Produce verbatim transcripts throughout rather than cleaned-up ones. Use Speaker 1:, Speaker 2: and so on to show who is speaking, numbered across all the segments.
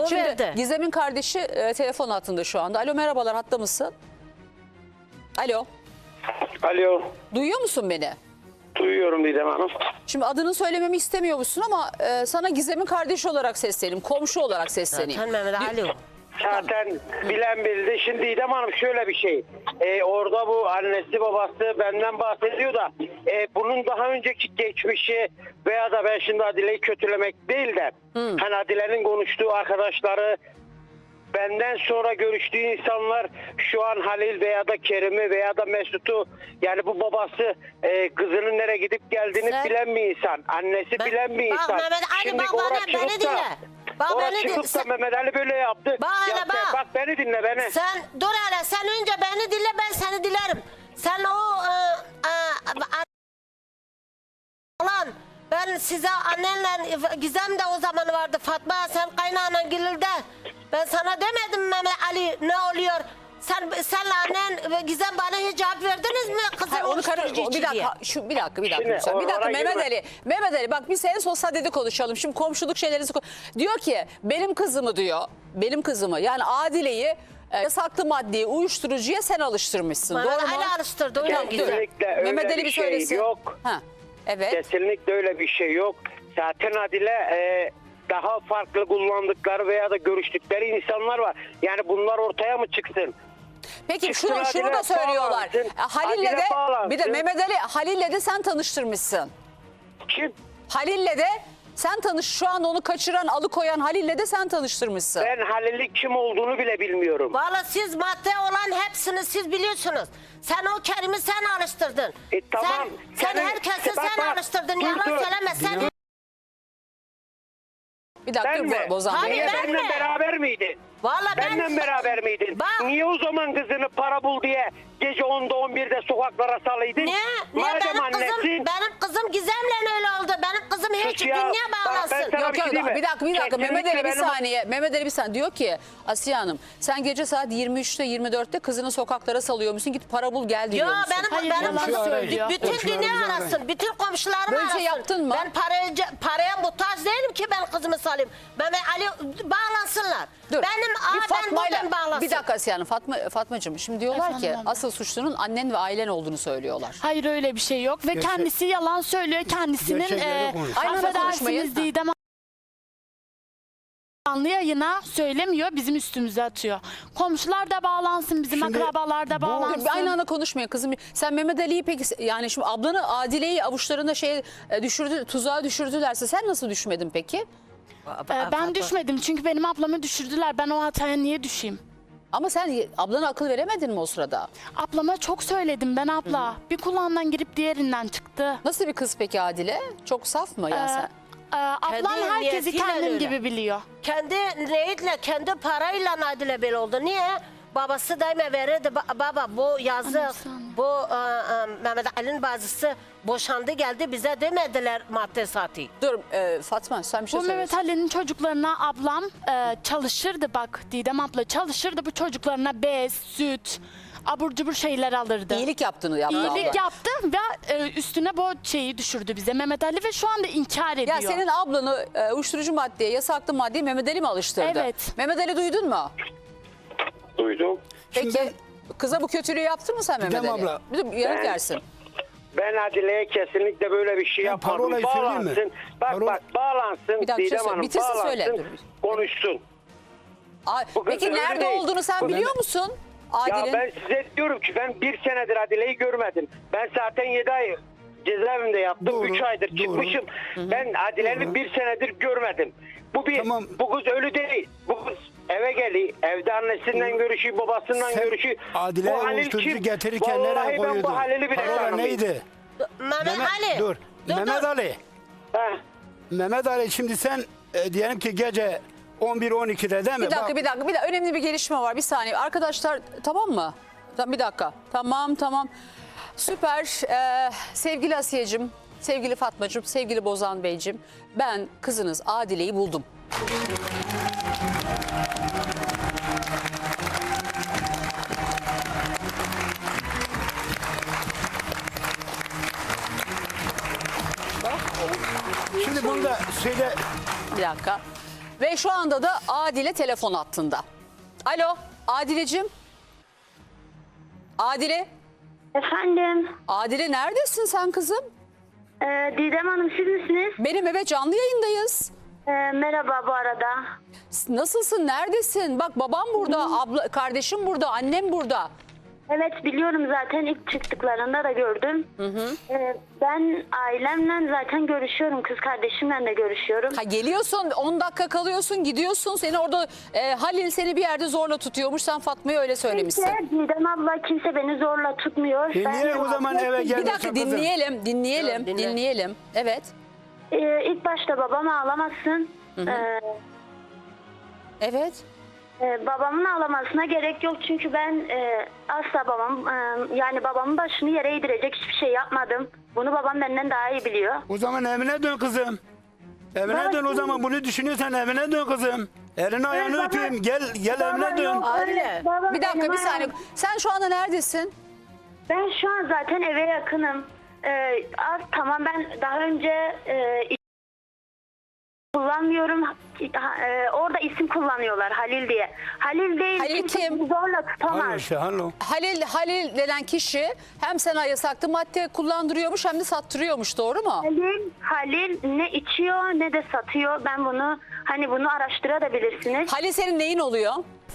Speaker 1: O
Speaker 2: Şimdi
Speaker 1: verdi.
Speaker 2: Gizem'in kardeşi e, telefon hattında şu anda. Alo, merhabalar, hatta mısın? Alo.
Speaker 3: Alo.
Speaker 2: Duyuyor musun beni?
Speaker 3: Duyuyorum Didem Hanım.
Speaker 2: Şimdi adını söylememi istemiyormuşsun ama e, sana Gizem'in kardeşi olarak sesleneyim. Komşu olarak sesleneyim.
Speaker 1: Zaten Mehmet Ali o.
Speaker 3: Zaten bilen bildi. Şimdi Didem Hanım şöyle bir şey. Ee, orada bu annesi babası benden bahsediyor da e, bunun daha önceki geçmişi veya da ben şimdi Adile'yi kötülemek değil de hmm. hani Adile'nin konuştuğu arkadaşları, benden sonra görüştüğü insanlar şu an Halil veya da Kerim'i veya da Mesut'u, yani bu babası e, kızının nereye gidip geldiğini
Speaker 1: Sen,
Speaker 3: bilen bir insan. Annesi
Speaker 1: ben,
Speaker 3: bilen bir
Speaker 1: bak,
Speaker 3: insan.
Speaker 1: Mehmet Ali,
Speaker 3: Şimdi
Speaker 1: bak
Speaker 3: oraya
Speaker 1: bana,
Speaker 3: çıkıp
Speaker 1: beni
Speaker 3: da-
Speaker 1: dinle. Bak
Speaker 3: oraya
Speaker 1: beni
Speaker 3: çıkıp
Speaker 1: dinle.
Speaker 3: da Mehmet Ali böyle yaptı.
Speaker 1: Bak hele,
Speaker 3: Ya
Speaker 1: bak.
Speaker 3: sen- bak beni dinle beni.
Speaker 1: Sen dur hele, sen önce beni dinle, ben seni dilerim. Sen o e, e, lan ben size annenle Gizem de o zaman vardı, Fatma, sen kaynağına Gülül'de. Ben sana demedim Mehmet Ali ne oluyor? Sen senle annen ve Gizem bana hiç cevap verdiniz mi? Kızım
Speaker 2: Hayır, onu karı,
Speaker 1: uyuşturucu
Speaker 2: o, bir
Speaker 1: içi diye.
Speaker 2: dakika, şu bir dakika, bir dakika.
Speaker 3: Şimdi
Speaker 2: lütfen. Bir dakika
Speaker 3: oralara
Speaker 2: Mehmet
Speaker 3: girme.
Speaker 2: Ali. Mehmet Ali, bak biz en son sadede konuşalım. Şimdi komşuluk şeylerinizi ko- diyor ki benim kızımı diyor. Benim kızımı, yani Adile'yi e, yasaklı maddeye, uyuşturucuya sen alıştırmışsın.
Speaker 1: Mehmet
Speaker 2: Doğru mu?
Speaker 1: Ali alıştırdı, öyle
Speaker 2: Tamam,
Speaker 1: Gizem.
Speaker 3: Kesinlikle öyle
Speaker 2: Mehmet Ali
Speaker 3: bir
Speaker 2: bir
Speaker 3: şey
Speaker 2: söylesin.
Speaker 3: yok.
Speaker 2: Ha. Evet.
Speaker 3: Kesinlikle öyle bir şey yok. Zaten Adile e, daha farklı kullandıkları veya da görüştükleri insanlar var. Yani bunlar ortaya mı çıksın?
Speaker 2: Peki
Speaker 3: Çıksın
Speaker 2: şunu, şunu
Speaker 3: Adile
Speaker 2: da söylüyorlar.
Speaker 3: bağlansın.
Speaker 2: E, Halil'le
Speaker 3: Adile
Speaker 2: de
Speaker 3: bağlansın.
Speaker 2: bir de Mehmet Ali, Halil'le de sen tanıştırmışsın.
Speaker 3: Kim?
Speaker 2: Halil'le de sen tanış, şu an onu kaçıran, alıkoyan Halil'le de sen tanıştırmışsın.
Speaker 3: Ben Halil'in kim olduğunu bile bilmiyorum.
Speaker 1: Valla siz madde olan hepsini siz biliyorsunuz. Sen o Kerim'i sen alıştırdın.
Speaker 3: E, tamam.
Speaker 1: Sen, sen
Speaker 3: Senin-
Speaker 1: herkesi
Speaker 3: Bak,
Speaker 1: sen
Speaker 3: bak.
Speaker 1: alıştırdın.
Speaker 3: Dur,
Speaker 1: Yalan
Speaker 3: dur.
Speaker 1: söyleme. Sen
Speaker 2: Bir dakika
Speaker 3: Ben
Speaker 2: dur,
Speaker 3: mi?
Speaker 2: Bozan
Speaker 1: Hayır,
Speaker 2: Bey.
Speaker 3: Niye
Speaker 1: ben
Speaker 3: benimle
Speaker 1: mi?
Speaker 3: beraber miydin?
Speaker 1: Valla ben...
Speaker 3: Benimle beraber miydin?
Speaker 1: Bak.
Speaker 3: Niye o zaman kızını para bul diye gece onda on birde sokaklara salaydın?
Speaker 1: Ne? Ne
Speaker 3: Madem
Speaker 1: benim kızım,
Speaker 3: annesin.
Speaker 1: benim kızım Gizem'le öyle oldu. Benim kızım hiç
Speaker 3: Sus ya.
Speaker 1: dünya
Speaker 3: Bak, ben
Speaker 1: bağlasın.
Speaker 3: sana-
Speaker 2: Yok
Speaker 3: bir şey
Speaker 2: yok
Speaker 3: diyeyim mi?
Speaker 2: bir dakika bir dakika
Speaker 3: Kesinlikle
Speaker 2: Mehmet Ali bir
Speaker 3: benim-
Speaker 2: saniye. Mehmet Ali bir saniye diyor ki Asiye Hanım sen gece saat yirmi üçte yirmi dörtte kızını sokaklara salıyormuşsun, git para bul gel diyor
Speaker 1: Ya
Speaker 2: musun?
Speaker 1: benim,
Speaker 4: Hayır,
Speaker 1: benim
Speaker 4: yalan
Speaker 1: kızım
Speaker 4: söylüyor.
Speaker 1: bütün
Speaker 4: Komşularımızı
Speaker 1: dünya
Speaker 4: arayın.
Speaker 1: arasın. Bütün komşularım
Speaker 2: Böyle bir
Speaker 1: arasın.
Speaker 2: şey yaptın mı?
Speaker 1: Ben paraya, paraya muhtaç değilim ki ben kızımı salayım. Mehmet Ali bağlansınlar.
Speaker 2: Dur.
Speaker 1: Benim
Speaker 2: bir
Speaker 1: aa, ben
Speaker 2: Fatma'yla
Speaker 1: buradan bağlasın.
Speaker 2: bir dakika Asiye Hanım, Fatma, Fatmacığım şimdi diyorlar ki
Speaker 4: Efendim abla.
Speaker 2: asıl suçlunun annen ve ailen olduğunu söylüyorlar.
Speaker 4: Hayır öyle bir şey yok ve
Speaker 5: Gerçek-
Speaker 4: kendisi yalan söylüyor. Kendisinin
Speaker 5: Gerçekleri
Speaker 4: e,
Speaker 5: konuş.
Speaker 2: Aynı anda konuşmayın.
Speaker 4: affedersiniz Didem canlı yayına söylemiyor, bizim üstümüze atıyor. Komşular da bağlansın, bizim
Speaker 5: Şimdi
Speaker 4: akrabalar da
Speaker 5: bu-
Speaker 4: bağlansın.
Speaker 2: Dur, bir aynı anda konuşmayın kızım. Sen Mehmet Ali'yi peki yani şimdi ablanı Adile'yi avuçlarına şey e, düşürdü, tuzağa düşürdülerse sen nasıl düşmedin peki?
Speaker 4: E, ben düşmedim çünkü benim ablamı düşürdüler. Ben o hataya niye düşeyim?
Speaker 2: Ama sen ablana akıl veremedin mi o sırada?
Speaker 4: Ablama çok söyledim ben abla. Bir kulağından girip diğerinden çıktı.
Speaker 2: Nasıl bir kız peki Adile? Çok saf mı ya
Speaker 4: Ee,
Speaker 2: sen?
Speaker 4: e, ablam
Speaker 1: Kendi
Speaker 4: herkesi
Speaker 1: niyetiyle
Speaker 4: kendim
Speaker 1: öyle.
Speaker 4: gibi biliyor.
Speaker 1: Kendi niyetle, kendi parayla Nadile böyle oldu. Niye? Babası daima verirdi. Ba- baba bu yazı,
Speaker 4: Anne, bir saniye.
Speaker 1: bu e, e, Mehmet Ali'nin bazısı boşandı geldi, bize demediler madde saati.
Speaker 2: Dur e, Fatma sen bir şey
Speaker 4: Bu Mehmet
Speaker 2: söylüyorsun.
Speaker 4: Ali'nin çocuklarına ablam e, çalışırdı bak Didem abla çalışırdı bu çocuklarına bez, süt, abur cubur şeyler alırdı.
Speaker 2: İyilik yaptığını yaptı
Speaker 4: İyilik
Speaker 2: abla.
Speaker 4: yaptı ve e, üstüne bu şeyi düşürdü bize Mehmet Ali ve şu anda inkar ediyor.
Speaker 2: Ya senin ablanı e, uyuşturucu maddeye, yasaklı maddeye Mehmet Ali mi alıştırdı?
Speaker 4: Evet.
Speaker 2: Mehmet Ali duydun mu?
Speaker 3: Duydum.
Speaker 2: Peki
Speaker 5: Şimdi
Speaker 2: kıza bu kötülüğü yaptın mı sen Mehmet
Speaker 5: Didem
Speaker 2: Ali?
Speaker 5: abla.
Speaker 2: Bir de yanıt
Speaker 3: Ben-
Speaker 2: versin.
Speaker 3: Ben Adile'ye kesinlikle böyle bir şey
Speaker 5: Ben
Speaker 3: yapmadım.
Speaker 5: parolayı söyleyeyim mi?
Speaker 3: Bağlansın. Bak
Speaker 5: Parola-
Speaker 3: bak bağlansın.
Speaker 2: Bir dakika, bir şey
Speaker 3: Didem
Speaker 2: söyle.
Speaker 3: Hanım
Speaker 2: Bitirsin,
Speaker 3: bağlansın.
Speaker 2: söyle. Dur.
Speaker 3: Konuşsun.
Speaker 2: Ay,
Speaker 3: Bu kız
Speaker 2: peki
Speaker 3: öyle
Speaker 2: nerede
Speaker 3: değil.
Speaker 2: olduğunu sen
Speaker 3: Bu
Speaker 2: biliyor
Speaker 5: Mehmet-
Speaker 2: musun?
Speaker 3: Ya
Speaker 2: Adil'in.
Speaker 3: ben size diyorum ki ben bir senedir Adile'yi görmedim. Ben zaten yedi ay cezaevinde yattım.
Speaker 5: Doğru,
Speaker 3: Üç aydır
Speaker 5: doğru.
Speaker 3: çıkmışım. Ben Adile'yi bir senedir görmedim. Bu bir,
Speaker 5: Tamam.
Speaker 3: bu kız ölü değil. Bu kız eve geliyor. Evde annesinden görüşüyor, babasından
Speaker 5: sen
Speaker 3: görüşüyor.
Speaker 5: Adile'ye
Speaker 3: Bu Halil
Speaker 5: uyuşturucu
Speaker 3: kim?
Speaker 5: getirirken
Speaker 3: Vallahi
Speaker 5: nereye
Speaker 3: ben
Speaker 5: koyuyordun?
Speaker 3: bu Halil'i bile
Speaker 5: Parola
Speaker 3: tanımıyorum.
Speaker 5: neydi?
Speaker 1: Mehmet,
Speaker 5: Mehmet,
Speaker 1: Ali.
Speaker 5: dur. Mehmet Ali.
Speaker 3: Heh.
Speaker 5: Mehmet Ali şimdi sen e, diyelim ki gece on bir on ikide değil mi?
Speaker 2: Bir dakika
Speaker 5: Bak,
Speaker 2: bir dakika bir dakika önemli bir gelişme var, bir saniye arkadaşlar, tamam mı? Tamam, bir dakika tamam tamam süper. Ee, sevgili Asiye'cim, sevgili Fatmacığım, sevgili Bozan Beyciğim, ben kızınız Adile'yi buldum.
Speaker 5: Şimdi bunu da söyle.
Speaker 2: Bir dakika. Ve şu anda da Adile telefon hattında. Alo Adile'cim. Adile.
Speaker 6: Efendim,
Speaker 2: Adile neredesin sen kızım?
Speaker 6: e, Didem Hanım siz misiniz?
Speaker 2: Benim eve canlı yayındayız.
Speaker 6: E, merhaba bu arada.
Speaker 2: Nasılsın? Neredesin? Bak babam burada, abla, kardeşim burada, annem burada.
Speaker 6: Evet biliyorum zaten ilk çıktıklarında da gördüm. E, ben ailemle zaten görüşüyorum, kız kardeşimle de görüşüyorum.
Speaker 2: Ha, geliyorsun on dakika kalıyorsun gidiyorsun seni orada e, Halil seni bir yerde zorla tutuyormuş sen Fatma'ya öyle söylemişsin.
Speaker 6: Kimse, Didem abla kimse beni zorla tutmuyor.
Speaker 5: E
Speaker 6: Ben-
Speaker 5: niye o zaman eve
Speaker 2: Bir
Speaker 5: gelmiyorsun
Speaker 2: dakika
Speaker 5: kızım?
Speaker 2: dinleyelim dinleyelim
Speaker 1: Evet, dinle.
Speaker 2: dinleyelim. Evet.
Speaker 6: E, ilk başta babam ağlamasın. E,
Speaker 2: Evet.
Speaker 6: e, babamın ağlamasına gerek yok çünkü ben e, asla babam e, yani babamın başını yere eğdirecek hiçbir şey yapmadım. Bunu babam benden daha iyi biliyor.
Speaker 5: O zaman evine dön kızım. Evine
Speaker 6: Baba,
Speaker 5: dön o
Speaker 6: şimdi-
Speaker 5: zaman bunu düşünüyorsan evine dön kızım. Elini ayağını
Speaker 6: baba-
Speaker 5: öpeyim gel gel
Speaker 6: Baba
Speaker 5: evine dön.
Speaker 6: yok, öyle-
Speaker 1: Anne,
Speaker 6: baba
Speaker 2: Bir dakika
Speaker 6: benim
Speaker 2: bir saniye.
Speaker 6: ayağım-
Speaker 2: Sen şu anda neredesin?
Speaker 6: Ben şu an zaten eve yakınım. Ee, az tamam ben daha önce e, isim kullanmıyorum. Ha- e, orada isim kullanıyorlar Halil diye. Halil değil.
Speaker 2: Halil
Speaker 6: kimse
Speaker 2: kim?
Speaker 6: bizi zorla tutamaz.
Speaker 5: Hallo işte hallo.
Speaker 2: Halil Halil denen kişi hem sana yasaklı madde kullandırıyormuş hem de sattırıyormuş doğru mu?
Speaker 6: Halil, Halil ne içiyor ne de satıyor. Ben bunu hani bunu araştırabilirsiniz.
Speaker 2: Halil senin neyin oluyor?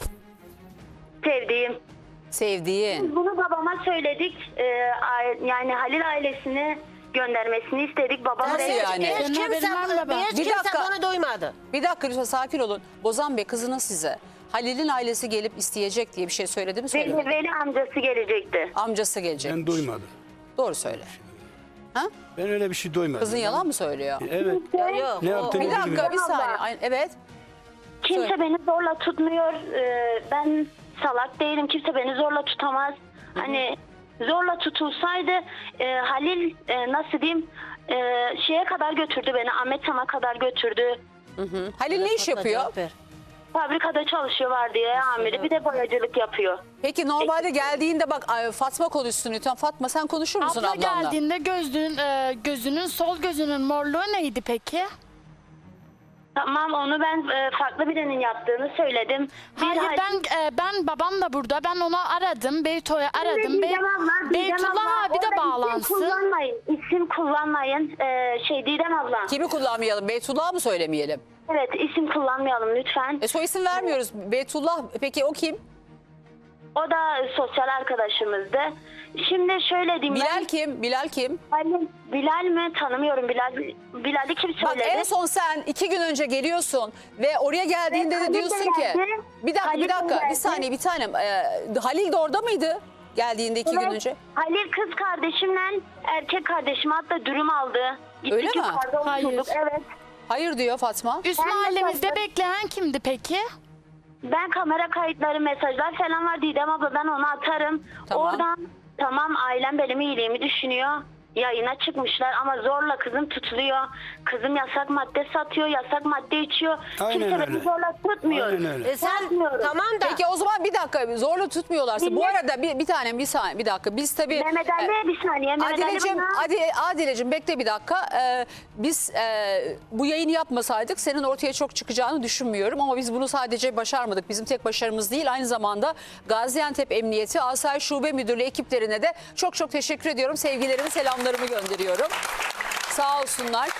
Speaker 6: Sevdiğim.
Speaker 2: Sevdiğin.
Speaker 6: Bunu babama söyledik. Ee, aile- yani Halil ailesini göndermesini istedik. Babam
Speaker 2: Nasıl
Speaker 6: da-
Speaker 2: yani?
Speaker 1: Hiç
Speaker 4: Senin
Speaker 1: kimse,
Speaker 4: haberin var mı baba?
Speaker 1: hiç
Speaker 2: Bir
Speaker 1: kimse
Speaker 2: dakika.
Speaker 1: bunu duymadı.
Speaker 2: Bir dakika lütfen sakin olun. Bozan Bey kızının size Halil'in ailesi gelip isteyecek diye bir şey söyledi mi
Speaker 6: Veli,
Speaker 2: söylemedi mi?
Speaker 6: Veli amcası gelecekti.
Speaker 2: Amcası gelecek.
Speaker 5: Ben duymadım.
Speaker 2: Doğru söyle. Ha?
Speaker 5: Ben öyle bir şey duymadım.
Speaker 2: Kızın yalan mı söylüyor?
Speaker 5: Evet.
Speaker 1: Ya yok.
Speaker 5: Ne
Speaker 1: o-
Speaker 5: yaptığını
Speaker 2: Bir dakika
Speaker 5: bilmiyorum.
Speaker 2: bir saniye. Ay- Evet.
Speaker 6: Kimse
Speaker 2: Söyle.
Speaker 6: beni zorla tutmuyor. Ee, ben salak değilim. Kimse beni zorla tutamaz. Hani zorla tutulsaydı e, Halil e, nasıl diyeyim e, şeye kadar götürdü beni. Ahmet Sam'a kadar götürdü.
Speaker 2: Hı. Halil ne iş
Speaker 1: Fatma
Speaker 2: yapıyor?
Speaker 1: cevap ver.
Speaker 6: Fabrikada çalışıyor vardiya amiri. Bir de boyacılık yapıyor.
Speaker 2: Peki normalde geldiğinde bak ay, Fatma konuşsun lütfen. Fatma sen konuşur musun
Speaker 4: Abla
Speaker 2: ablanla?
Speaker 4: geldiğinde gözünün, e, gözünün sol gözünün morluğu neydi peki?
Speaker 6: Tamam onu ben e, farklı birinin yaptığını söyledim. Bir
Speaker 4: Hayır
Speaker 6: Halil-
Speaker 4: ben e, ben babam da burada. Ben onu aradım. Beyto'yu aradım. Bey,
Speaker 6: Didem abla, Didem
Speaker 4: Beytullah
Speaker 6: abla,
Speaker 4: abi de
Speaker 6: orada
Speaker 4: bağlansın.
Speaker 6: İsim kullanmayın. İsim kullanmayın. Ee, şey Didem abla.
Speaker 2: Kimi kullanmayalım? Beytullah mı söylemeyelim?
Speaker 6: Evet isim kullanmayalım lütfen.
Speaker 2: E soy isim vermiyoruz. Beytullah peki o kim?
Speaker 6: O da sosyal arkadaşımızdı. Şimdi şöyle diyeyim
Speaker 2: Bilal
Speaker 6: ben.
Speaker 2: kim? Bilal kim?
Speaker 6: Halil, Bilal mi? Tanımıyorum. Bilal Bilal'i kim
Speaker 2: Bak
Speaker 6: söyledi?
Speaker 2: en son sen iki gün önce geliyorsun ve oraya geldiğinde
Speaker 6: Evet,
Speaker 2: de
Speaker 6: Halil de
Speaker 2: diyorsun ki
Speaker 6: geldi.
Speaker 2: bir dakika
Speaker 6: Halil
Speaker 2: bir
Speaker 6: de
Speaker 2: dakika bir
Speaker 6: geldi.
Speaker 2: saniye bir tanem Ee, Halil de orada mıydı geldiğinde iki gün
Speaker 6: Evet,
Speaker 2: önce?
Speaker 6: Halil kız kardeşimle erkek kardeşim hatta dürüm aldı. Gittik
Speaker 2: Öyle mi?
Speaker 6: yukarıda
Speaker 4: Hayır.
Speaker 6: oturduk. Evet.
Speaker 2: Hayır diyor Fatma.
Speaker 4: Üst
Speaker 6: Ben de
Speaker 4: mahallemizde
Speaker 6: sordum.
Speaker 4: bekleyen kimdi peki?
Speaker 6: Ben kamera kayıtları, mesajlar falan var Didem abla ben onu atarım.
Speaker 2: Tamam.
Speaker 6: Oradan tamam ailem benim iyiliğimi düşünüyor. Yayına çıkmışlar ama zorla kızım tutuluyor. Kızım yasak madde satıyor, yasak madde içiyor.
Speaker 5: Aynen
Speaker 6: Kimse beni
Speaker 5: öyle.
Speaker 6: zorla tutmuyor.
Speaker 5: Aynen öyle.
Speaker 1: E sen
Speaker 6: Yapmıyorum.
Speaker 1: tamam da.
Speaker 2: Peki o zaman bir dakika zorla tutmuyorlarsa bu
Speaker 6: Dinle.
Speaker 2: arada bir, bir tane bir saniye bir dakika biz tabii
Speaker 6: Mehmet Ali bir saniye. Mehmet Ali
Speaker 2: Adile'cim,
Speaker 6: bana-
Speaker 2: Adi, Adile'cim bekle bir dakika. Ee, biz e, bu yayını yapmasaydık senin ortaya çok çıkacağını düşünmüyorum. Ama biz bunu sadece başarmadık. Bizim tek başarımız değil. Aynı zamanda Gaziantep Emniyeti Asayiş Şube Müdürlüğü ekiplerine de çok çok teşekkür ediyorum. Sevgilerimi, selamlarımı gönderiyorum. Sağ olsunlar.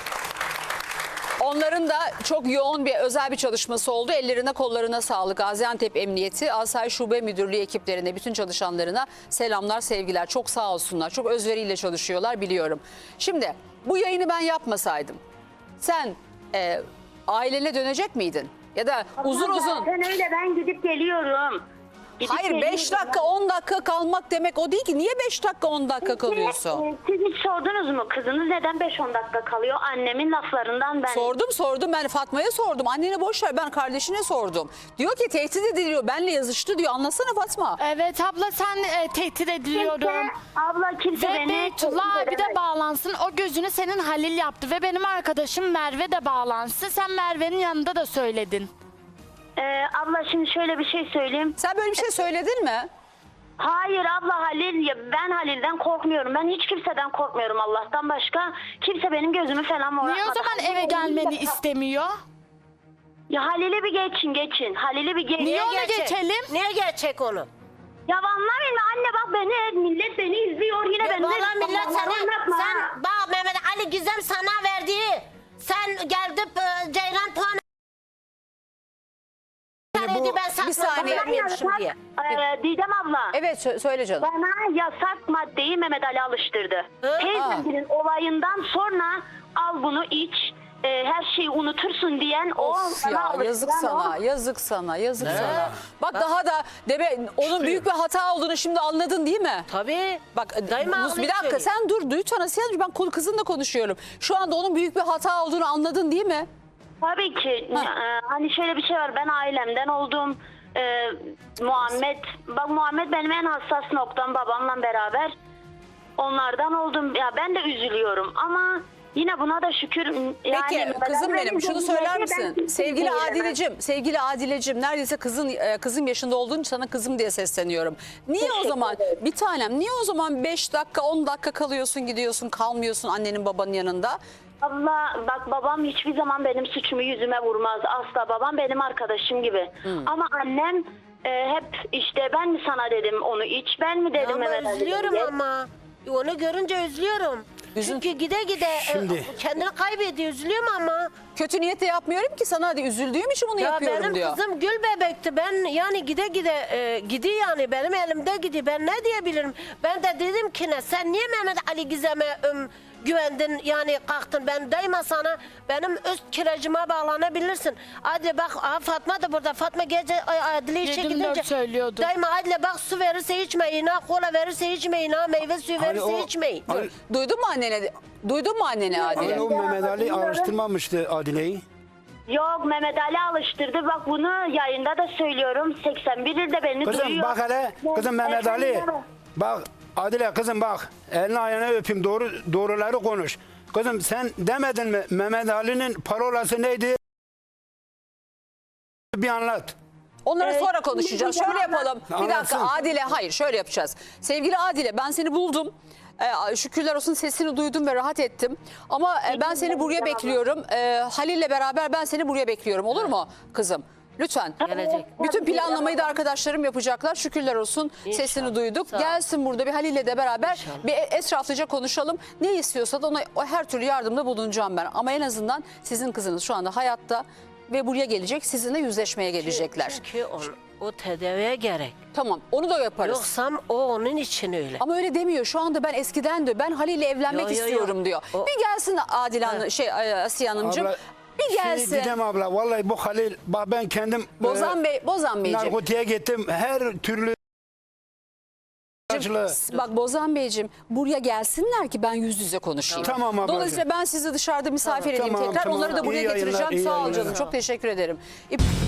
Speaker 2: Onların da çok yoğun bir özel bir çalışması oldu. Ellerine kollarına sağlık. Gaziantep Emniyeti, Asayiş Şube Müdürlüğü ekiplerine, bütün çalışanlarına selamlar, sevgiler. Çok sağ olsunlar. Çok özveriyle çalışıyorlar biliyorum. Şimdi bu yayını ben yapmasaydım sen e, ailene dönecek miydin? Ya da uzun
Speaker 6: Ama
Speaker 2: uzun...
Speaker 6: Zaten öyle ben gidip geliyorum. Gidip
Speaker 2: Hayır beş
Speaker 6: geliyorum.
Speaker 2: dakika on dakika kalmak demek o değil ki. Niye beş dakika on dakika kalıyorsun?
Speaker 6: Ee, Siz hiç sordunuz mu? Kızınız neden beş on dakika kalıyor? Annemin laflarından ben...
Speaker 2: Sordum sordum ben Fatma'ya sordum. Annene boş ver ben kardeşine sordum. Diyor ki tehdit ediliyor. Benle yazıştı diyor. Anlasana Fatma.
Speaker 4: Evet abla sen e, tehdit ediliyorum.
Speaker 6: Kimse, abla kimse
Speaker 4: Ve
Speaker 6: beni...
Speaker 4: Beytullah
Speaker 6: tehdit
Speaker 4: abi de
Speaker 6: edemez.
Speaker 4: bağlansın. O gözünü senin Halil yaptı ve benim arkadaşım Merve de bağlansın. Sen Merve'nin yanında da söyledin.
Speaker 6: Ee, abla şimdi şöyle bir şey söyleyeyim.
Speaker 2: Sen böyle bir şey söyledin mi?
Speaker 6: Hayır abla Halil, ya ben Halil'den korkmuyorum. Ben hiç kimseden korkmuyorum Allah'tan başka. Kimse benim gözümü falan
Speaker 4: Niye o
Speaker 6: morartmadı.
Speaker 4: zaman
Speaker 6: Halil
Speaker 4: eve
Speaker 6: benim
Speaker 4: gelmeni
Speaker 6: de-
Speaker 4: istemiyor?
Speaker 6: Ya Halil'i bir geçin geçin. Halil'i bir geçin.
Speaker 4: Niye onu
Speaker 1: Gerçek.
Speaker 4: geçelim?
Speaker 1: Niye gerçek onu?
Speaker 6: Ya anlamayın anne bak beni millet beni izliyor yine
Speaker 1: Ya
Speaker 6: beni.
Speaker 1: Valla millet
Speaker 6: Allah'ım
Speaker 1: sana,
Speaker 6: yapma.
Speaker 1: sen bak Mehmet Ali Gizem sana verdiği, sen geldip e, Ceylan puanı
Speaker 5: bu-
Speaker 1: ben satın
Speaker 2: bir saniye.
Speaker 1: vermiyormuşum diye.
Speaker 6: Ee, Didem abla.
Speaker 2: Evet sö- söyle canım.
Speaker 6: Bana yasak maddeyi Mehmet Ali alıştırdı.
Speaker 1: Hı?
Speaker 6: Teyzemgilin olayından sonra al bunu iç. e, her şeyi unutursun diyen o
Speaker 2: Of
Speaker 6: bana
Speaker 2: ya
Speaker 6: alıştıran
Speaker 2: yazık sana,
Speaker 6: o.
Speaker 2: yazık sana, yazık sana. Bak daha da deme onun büyük bir hata olduğunu şimdi anladın değil mi?
Speaker 1: Tabii.
Speaker 2: Bak
Speaker 1: Daima
Speaker 2: Nus,
Speaker 1: onu
Speaker 2: bir dakika
Speaker 1: söylüyor.
Speaker 2: sen dur lütfen Asiye'cim ben konu kızınla konuşuyorum. Şu anda onun büyük bir hata olduğunu anladın değil mi?
Speaker 6: Tabii ki.
Speaker 2: Ha.
Speaker 6: e, hani şöyle bir şey var. Ben ailemden oldum. E, Muhammed, bak Muhammed benim en hassas noktam babamla beraber. Onlardan oldum. Ya ben de üzülüyorum ama yine buna da şükür. Yani
Speaker 2: Peki
Speaker 6: Mehmet
Speaker 2: kızım
Speaker 6: Ali
Speaker 2: benim şunu
Speaker 6: benim
Speaker 2: söyler
Speaker 6: ben
Speaker 2: misin?
Speaker 6: kimseye
Speaker 2: Sevgili
Speaker 6: veremem.
Speaker 2: Adilecim, sevgili Adilecim neredeyse kızın e, kızım yaşında olduğun için sana kızım diye sesleniyorum. Niye o
Speaker 6: Teşekkür
Speaker 2: zaman
Speaker 6: ederim.
Speaker 2: bir tanem niye o zaman beş dakika on dakika kalıyorsun gidiyorsun kalmıyorsun annenin babanın yanında?
Speaker 6: Abla bak babam hiçbir zaman benim suçumu yüzüme vurmaz. Asla babam benim arkadaşım gibi.
Speaker 2: Hmm.
Speaker 6: Ama annem e, hep işte ben mi sana dedim onu iç ben mi dedim
Speaker 1: Ama
Speaker 6: Mehmet Ali
Speaker 1: üzülüyorum
Speaker 6: diye.
Speaker 1: ama. Onu görünce üzülüyorum.
Speaker 2: Üzün-
Speaker 1: Çünkü gide gide e,
Speaker 5: Şimdi-
Speaker 1: kendini kaybediyor. Üzülüyorum ama.
Speaker 2: Kötü niyetle yapmıyorum ki sana hadi üzüldüğüm için bunu
Speaker 1: Ya
Speaker 2: yapıyorum
Speaker 1: benim
Speaker 2: diyor.
Speaker 1: kızım gül bebekti. Ben yani gide gide e, gidiyor yani benim elimde gidiyor. Ben ne diyebilirim? Ben de dedim ki ne sen niye Mehmet Ali Gizem'e ım, güvendin yani kalktın. Ben daima sana benim öz kiracıma bağlanabilirsin. Adile bak aa, Fatma da burada. Fatma gece ay, Adile işe
Speaker 4: Yedi
Speaker 1: gidince.
Speaker 4: dört söylüyordu.
Speaker 1: Daima Adile bak su verirse içmeyin ha. Kola verirse içmeyin ha. Meyve suyu
Speaker 5: Hani
Speaker 1: verirse
Speaker 5: o-
Speaker 1: içmeyin.
Speaker 5: hani-
Speaker 2: Duydun mu annene? Duydun mu annene Adile?
Speaker 5: Hani o Mehmet Ali alıştırmamıştı Adile'yi.
Speaker 6: Yok Mehmet Ali alıştırdı. Bak bunu yayında da söylüyorum. seksen bir ilde beni
Speaker 5: Kızım
Speaker 6: duyuyor.
Speaker 5: bak hele, kızım Mehmet Ali.
Speaker 6: Efendim?
Speaker 5: Bak Adile kızım bak. Elini ayağını öpeyim doğru doğruları konuş. Kızım sen demedin mi Mehmet Ali'nin parolası neydi? Bir anlat.
Speaker 2: Onları
Speaker 6: Evet,
Speaker 2: sonra konuşacağız.
Speaker 6: şimdi
Speaker 2: Şöyle
Speaker 6: hocam
Speaker 2: yapalım. Bir
Speaker 5: Anlatsın.
Speaker 2: dakika Adile hayır şöyle yapacağız. Sevgili Adile ben seni buldum. Ee, şükürler olsun sesini duydum ve rahat ettim. Ama e, ben seni buraya bekliyorum. Ee, Halil'le beraber ben seni buraya bekliyorum. Olur mu kızım? Lütfen.
Speaker 1: Gelecek.
Speaker 2: Bütün planlamayı da arkadaşlarım yapacaklar. Şükürler olsun sesini duyduk.
Speaker 1: Sağ ol.
Speaker 2: Gelsin burada bir Halil'le de beraber bir etraflıca konuşalım. Ne istiyorsa da ona o her türlü yardımda bulunacağım ben. Ama en azından sizin kızınız şu anda hayatta ve buraya gelecek. Sizinle yüzleşmeye gelecekler.
Speaker 1: Çünkü o, o tedaviye gerek.
Speaker 2: Tamam onu da yaparız.
Speaker 1: Yoksa o onun için öyle.
Speaker 2: Ama öyle demiyor. Şu anda ben eskiden diyor. Ben Halil'le evlenmek
Speaker 1: Yo, yo, yo.
Speaker 2: istiyorum diyor.
Speaker 1: O-
Speaker 2: Bir gelsin Adile Hanım, şey Asiye Hanımcığım.
Speaker 5: Abla,
Speaker 2: bir gelsin.
Speaker 5: Şey, Didem abla vallahi bu Halil bak ben kendim
Speaker 2: Bozan
Speaker 5: e,
Speaker 2: Bey, Bozan Beyciğim.
Speaker 5: narkotiğe gittim. Her türlü acılı.
Speaker 2: Bak Bozan Beyciğim buraya gelsinler ki ben yüz yüze konuşayım.
Speaker 5: Tamam ablacığım.
Speaker 2: Dolayısıyla ben sizi dışarıda misafir edeyim
Speaker 5: Tamam,
Speaker 2: tekrar.
Speaker 5: tamam.
Speaker 2: Onları da buraya
Speaker 5: İyi yayınlar,
Speaker 2: getireceğim.
Speaker 5: iyi
Speaker 2: Sağ ol
Speaker 5: yayınlar.
Speaker 2: canım. Çok teşekkür ederim. İp-